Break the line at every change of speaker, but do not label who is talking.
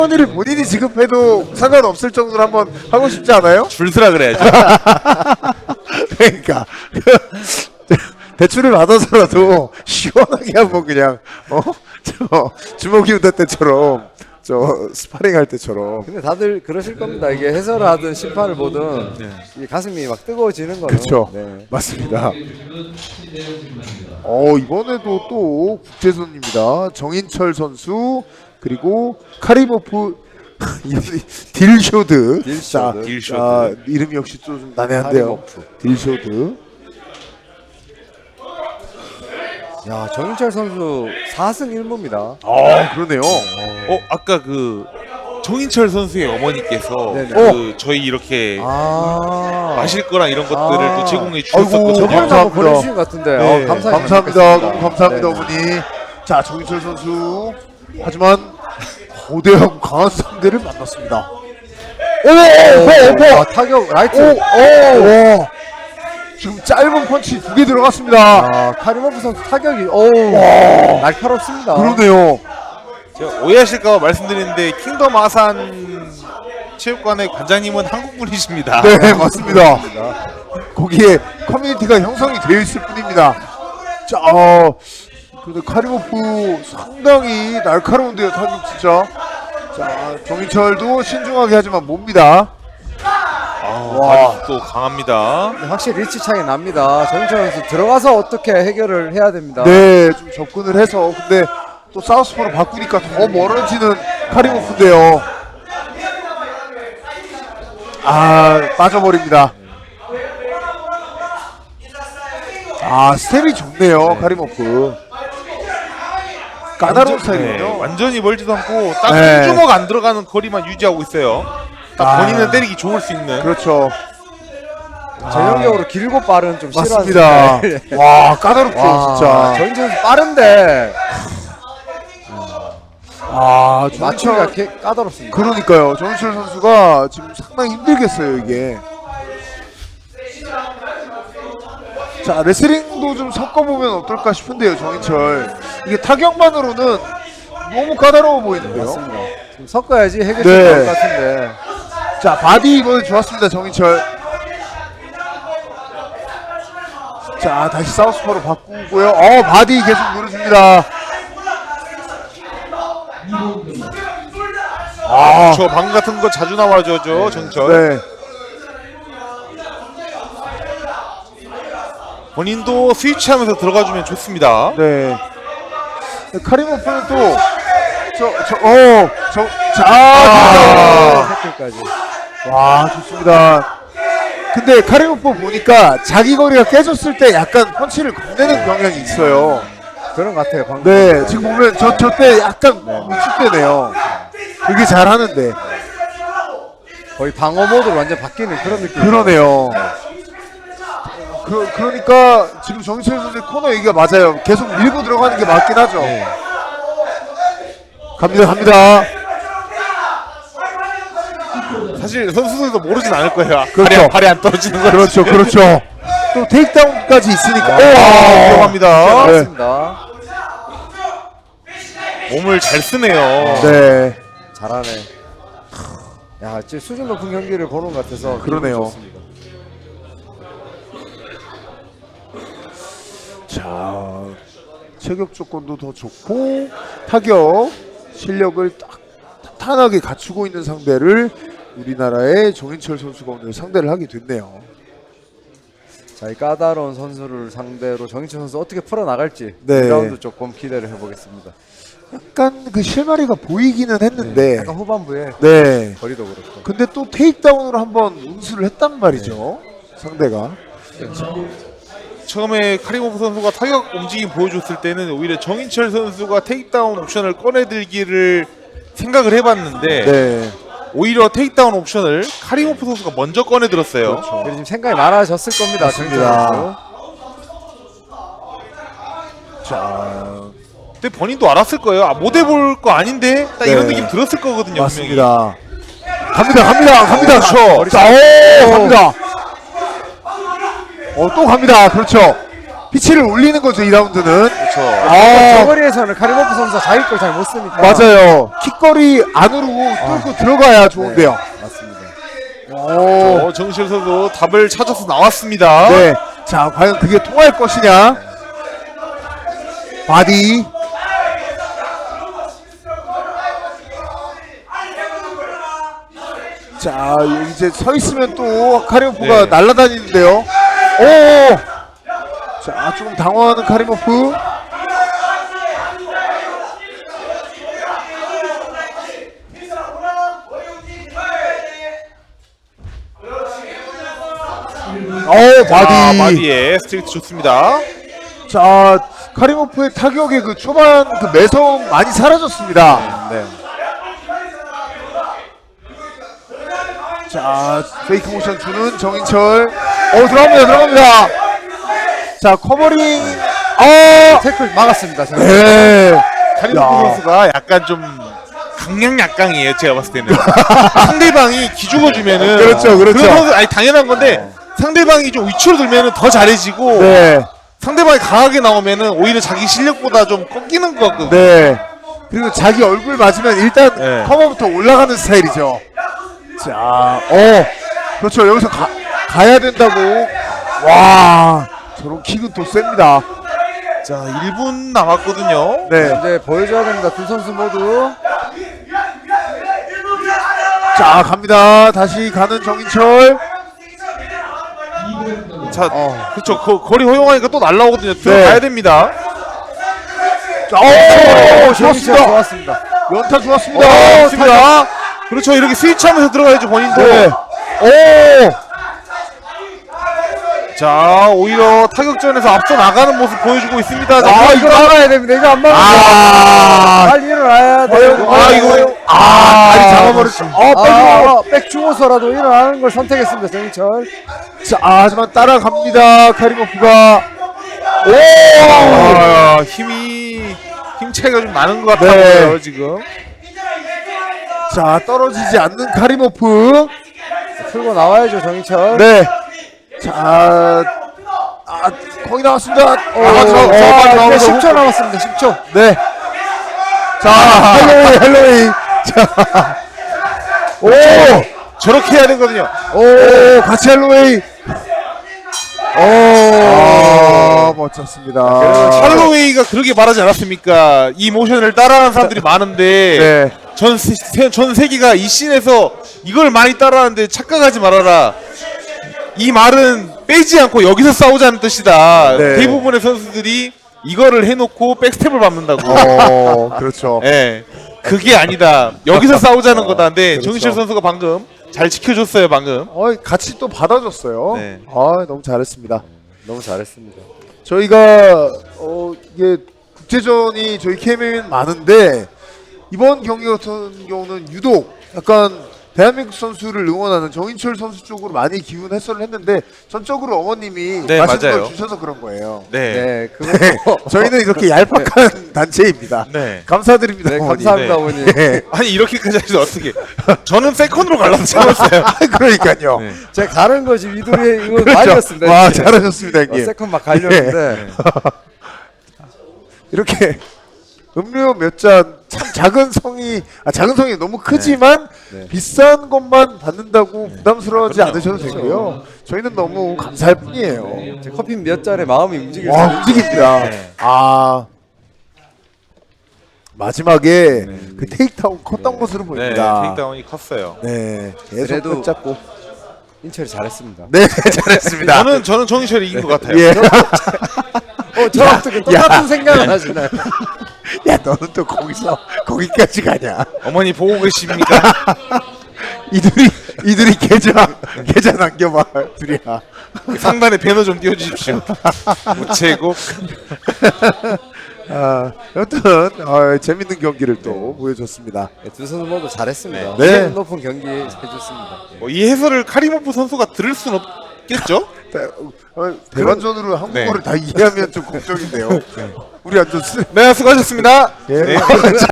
원이를 본인이 지급해도 상관없을 정도로 한번 하고 싶지 않아요?
줄 서라 그래야죠.
그러니까 대출을 받아서라도 시원하게 한번 그냥 저 주먹이 우다 때처럼 저 스파링 할 때처럼.
근데 다들 그러실 겁니다. 이게 해설을 하든 심판을 보든 이 가슴이 막 뜨거워지는 거는.
그렇죠.
네.
맞습니다. 이번에도 또 국제선입니다. 정인철 선수 그리고 카리모프 딜쇼드.
딜쇼드.
딜쇼드.
이름이 역시 좀 난해한데요.
카리모프.
딜쇼드.
야, 정인철 선수 4승 1무입니다.
그러네요.
아까 그 정인철 선수의 어머니께서
네네.
그 저희 이렇게 마실 거랑 이런 것들을 또 제공해 주셨었거든요.
저번에 한번
감사합니다.
보내주신 것 같은데.
네,
감사합니다.
감사합니다. 너무 감사합니다,
네.
어머니. 자, 정인철 선수. 하지만 거대하고 강한 상대를 만났습니다.
타격 라이트.
오. 지금 짧은 펀치 2개 들어갔습니다.
카리모프 선수 타격이 날카롭습니다.
그러네요.
제가 오해하실까 봐 말씀드리는데 킹덤 아산 체육관의 관장님은 한국 분이십니다.
네, 맞습니다. 거기에 커뮤니티가 형성이 되어 있을 뿐입니다. 자, 근데 카리모프 상당히 날카로운데요, 타격 진짜. 자, 정인철도 신중하게 하지만 몹니다.
와, 또 강합니다.
확실히 리치 차이 납니다. 정인철 선수 들어가서 어떻게 해결을 해야 됩니다.
네, 좀 접근을 해서. 근데 또 사우스포로 바꾸니까 더 멀어지는 카리모프인데요. 빠져버립니다. 스텝이 좋네요, 카리모프. 까다로운 스타일이군요.
완전히 멀지도 않고 딱
네.
한 주먹 안 들어가는 거리만 유지하고 있어요. 딱 본인은 때리기 좋을 수 있는.
그렇죠.
전형적으로 길고 빠른 좀 싫어하는
맞습니다.
스타일.
와, 까다롭죠, 진짜.
정인철 선수 빠른데 맞추기가
정인철,
까다롭습니다.
그러니까요. 정인철 선수가 지금 상당히 힘들겠어요, 이게. 자, 레슬링도 좀 섞어보면 어떨까 싶은데요, 정인철. 이게 타격만으로는 너무 까다로워 보이는데요.
맞습니다. 좀 섞어야지 해결이
네.
나올 것 같은데.
자, 바디 이번에 좋았습니다, 정인철. 자, 다시 사우스포로 바꾸고요. 바디 계속 누르줍니다.
저 방 같은 거 자주 나와줘, 정철.
네.
본인도 스위치하면서 들어가주면 좋습니다.
네. 카리모프는 또,
태클까지.
와, 좋습니다. 근데 카리모프 보니까 자기 거리가 깨졌을 때 약간 펀치를 건네는 경향이 있어요.
그런 것 같아요. 방금.
네, 지금 보면 저 때 약간 위축되네요. 되게 잘하는데.
거의 방어 모드로 완전 바뀌는 그런 느낌.
그러네요. 그러니까 지금 정인철 선수의 코너 얘기가 맞아요. 계속 밀고 들어가는 게 맞긴 하죠. 갑니다.
사실 선수들도 모르진 않을 거예요.
그렇죠.
발이 안 떨어지는 거.
그렇죠. 또 테이크다운까지 있으니까.
들어갑니다.
네.
맞습니다.
몸을 잘 쓰네요.
네.
잘하네. 야, 지금 수준 높은 경기를 보는 것 같아서
그러네요.
기분이 좋습니다.
자, 체격 조건도 더 좋고 타격 실력을 딱 탄탄하게 갖추고 있는 상대를 우리나라의 정인철 선수가 오늘 상대를 하게 됐네요.
자, 이 까다로운 선수를 상대로 정인철 선수 어떻게 풀어나갈지
네.
2라운드 조금 기대를 해보겠습니다.
약간 그 실마리가 보이기는 했는데
약간 후반부에
네.
거리도 그렇고.
근데 또 테이크다운으로 한번 운수를 했단 말이죠. 상대가.
처음에 카리모프 선수가 타격 움직임 보여줬을 때는 오히려 정인철 선수가 테이크다운 옵션을 꺼내들기를 생각을 해봤는데
네.
오히려 테이크다운 옵션을 카리모프 선수가 먼저 꺼내들었어요.
그렇죠.
그리고 지금 생각이 많아졌을 겁니다. 정인철 선수.
자,
근데 본인도 알았을 거예요. 못 해볼 거 아닌데 딱 이런
네.
느낌 들었을 거거든요. 분명히.
맞습니다. 갑니다.
그렇죠.
자, 갑니다. 또 갑니다. 그렇죠. 피치를 올리는 거죠, 2라운드는.
그렇죠.
아,
저거리에서는 카리모프 선수가 자기 걸 잘 못 쓰니까.
맞아요. 킥거리 안으로 뚫고 들어가야 좋은데요.
맞습니다.
오.
정인철 선수 답을 찾아서 나왔습니다.
네. 자, 과연 그게 통할 것이냐? 바디. 자, 여기 이제 서 있으면 또 카리모프가
네.
날아다니는데요. 오! 자, 조금 당황하는 카리모프. 오, 바디.
바디에 스트레이트 좋습니다.
자, 카리모프의 타격의 그 초반 그 매성 많이 사라졌습니다.
네.
자, 페이크 모션 주는 정인철. 들어갑니다. 자, 커버링.
태클 막았습니다. 제가.
네.
카리모프
야.
선수가 약간 좀 강약약강이에요. 제가 봤을 때는 상대방이 기죽어주면은
그렇죠.
그 선수 아니 당연한 건데 상대방이 좀 위치로 들면은 더 잘해지고
네.
상대방이 강하게 나오면은 오히려 자기 실력보다 좀 꺾이는 것 같거든요.
네. 그리고 자기 얼굴 맞으면 일단
네.
커버부터 올라가는 스타일이죠. 자, 그렇죠. 여기서 가야 된다고. 와, 저런 킥은 또 셉니다.
자 1분 남았거든요.
네.
이제 보여줘야 됩니다. 두 선수 모두.
자, 갑니다. 다시 가는 정인철.
자 그렇죠. 거리 허용하니까 또 날라오거든요. 들어가야 됩니다.
자, 좋았습니다.
좋았습니다.
연타 좋았습니다.
좋습니다. 그렇죠. 이렇게 스위치하면서 들어가야죠 본인도.
네.
자 오히려 타격전에서 앞서 나가는 모습 보여주고 있습니다.
이거 막아야 됩니다. 이거 안 막으면 빨리 일어나야 돼요.
다리 잡아버렸죠.
백 주고서라도 일어나는 걸 선택했습니다. 정인철.
자, 하지만 따라갑니다. 카리모프가.
힘 차이가 좀 나는 것 같아요 지금.
자, 떨어지지 않는 카리모프.
풀고 나와야죠 정인철.
네. 자, 거의 나왔습니다.
이제 10초 남았습니다. 10초.
네. 자, 헬로웨이. 자,
저렇게 해야 되거든요.
같이 헬로웨이. 멋졌습니다.
할로웨이가 그렇게 말하지 않았습니까? 이 모션을 따라하는 사람들이 많은데
네.
전 세계가 이 씬에서 이걸 많이 따라하는데 착각하지 말아라. 이 말은 빼지 않고 여기서 싸우자는 뜻이다.
네.
대부분의 선수들이 이거를 해놓고 백스텝을 밟는다고.
그렇죠.
예, 그게 아니다. 여기서 싸우자는 거다인데 정인철 선수가 방금 잘 지켜줬어요. 방금.
같이 또 받아줬어요.
네.
너무 잘했습니다.
너무 잘했습니다.
저희가 이게 국제전이 저희 KM은 많은데 이번 경기 같은 경우는 유독 약간 대한민국 선수를 응원하는 정인철 선수 쪽으로 많이 기운 해설을 했는데 전적으로 어머님이
네,
맛있는
맞아요.
걸 주셔서 그런 거예요.
네.
네, 그거
저희는 이렇게 얄팍한 단체입니다.
네.
감사드립니다.
네,
어머니.
감사합니다,
네.
어머니.
네.
아니 이렇게까지 하시면 어떻게? 저는 세컨으로 갈라서 잡았어요.
그러니까요.
네.
제가 가는 거지 위도리 이거
그렇죠.
말렸습니다.
와,
이제.
잘하셨습니다, 형님.
세컨 막 갈렸는데
이렇게 음료 몇 잔 참 작은 성이 너무 크지만
네.
비싼 것만 받는다고 부담스러워하지
그럼요.
않으셔도 되고요. 저희는 너무 감사할 뿐이에요.
이제 커피 몇 잔에 마음이 움직일 수
와,
있는
움직입니다.
네.
마지막에 그 테이크다운 컸던 것으로
네,
보입니다.
테이크다운이 컸어요.
네, 계속
그래도
붙잡고.
인철이 잘했습니다.
네, 잘했습니다.
저는 정인철이 이긴 것 같아요.
예.
저랑 똑같은 생각을 하시나요?
야, 너는 또 거기까지 가냐?
어머니 보고 계십니까?
이들이 계좌 남겨봐, 둘이야.
상단에 배너 좀 띄워주십시오. 우체국.
여튼 재밌는 경기를 또 보여줬습니다.
네, 두 선수 모두 잘했습니다.
네.
기분 높은 경기 해줬습니다.
이 해설을 카리모프 선수가 들을 순 없겠죠?
대반전으로 한국어를 다 이해하면 좀 걱정인데요. 우리 완전
네, 수고하셨습니다.
예.
네.